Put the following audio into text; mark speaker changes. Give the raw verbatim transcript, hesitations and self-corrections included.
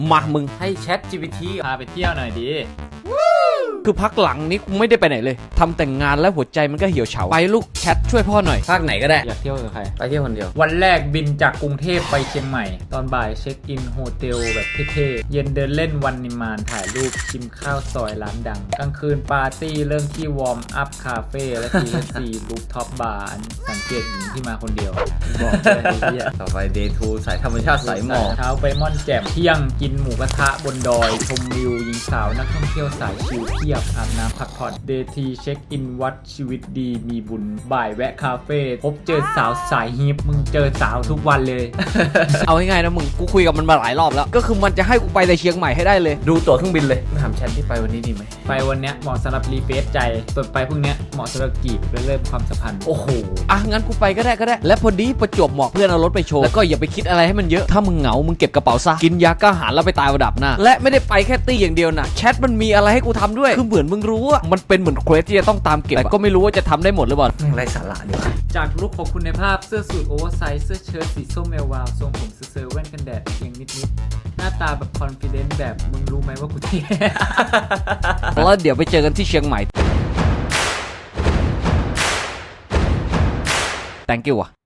Speaker 1: มามึง
Speaker 2: ให้ Chat จี พี ที พาไปเที่ยวหน่อยดี
Speaker 1: คือพักหลังนี้กูไม่ได้ไปไหนเลยทำแต่งงานแล้วหัวใจมันก็เหี่ยวเฉาไปลูกแชทช่วยพ่อหน่อย
Speaker 2: ภาคไหนก็ได้
Speaker 3: อยากเที่ยวกับใคร
Speaker 2: ไปเที่ยวคนเดียววันแรกบินจากกรุงเทพไปเชียงใหม่ตอนบ่ายเช็คอินโฮเทลแบบเท่ๆเย็นเดินเล่นวันนิมานถ่ายรูปชิมข้าวซอยร้านดังกลางคืนปาร์ตี้เริ่มที่วอร์มอัพคาเฟ่และ ที เอฟ ซี รูฟท็อปบาร์สังเกตหญิงที่มาคนเดียวบอกเลยไอ้เหี้ย
Speaker 3: ต่อไปเดย์ทูสายธรรมชาติสายหมอก
Speaker 2: เช้าไปม่อนแจ่มเที่ยงกินหมูกระทะบนดอยชมวิวยิงสาวนักท่องเที่ยวสายชิลเพียบอาบน้ำพักผ่อนเดทีเช็คอินวัดชีวิตดีมีบุญบ่ายแวะคาเฟ่พบเจอสาวสายฮิปมึงเจอสาวทุกวันเลย
Speaker 1: เอาง่ายๆนะมึงกูคุยกับมันมาหลายรอบแล้วก็คือมันจะให้กูไปในเชียงใหม่ให้ได้เลย
Speaker 3: ดูตั๋วเครื่องบินเลยถามแชทที่ไปวันนี้ดีไหม
Speaker 2: ไปวันเนี้ยเหมาะสำหรับรีเฟซใจส่วนไปพรุ่งเนี้ยเหมาะสำหรับกีบและเริ่มความสัมพันธ์
Speaker 1: โอ้โหอ่ะงั้นกูไปก็ได้ก็ได้และพอดีประจวบเหมาะเพื่อนเอารถไปโชว์แล้วก็อย่าไปคิดอะไรให้มันเยอะถ้ามึงเหงามึงเก็บกระเป๋าซะกินยากล้าหาญแล้วไปตายระดับหน้าและไม่ได้ไปแค่ตี้อย่างเดียวนะแชทมันมีอะไรให้กูทำด้วยคือเหมือนมึงรู้ว่ามันเป็นเหมือนเควสที่จะต้องตามเก็บแต่ก็ไม่รู้ว่าจะทำได้หมดหรือเปล่า
Speaker 3: แม่งไรสาระดีว่ะ
Speaker 2: จากลุคของคุณในภาพเสื้อสูทโอเวอร์ไซส์เสื้อเชิ้ตสีส้มเอลวาวทรงผมเซอร์แว่นกันแดดเพียงนิดๆหน้าตาแบบคอนฟิเดนซ์แบบมึงรู้ไหมว่ากูเท่
Speaker 1: แล้วเดี๋ยวไปเจอกันที่เชียงใหม่ thank you อ่ะ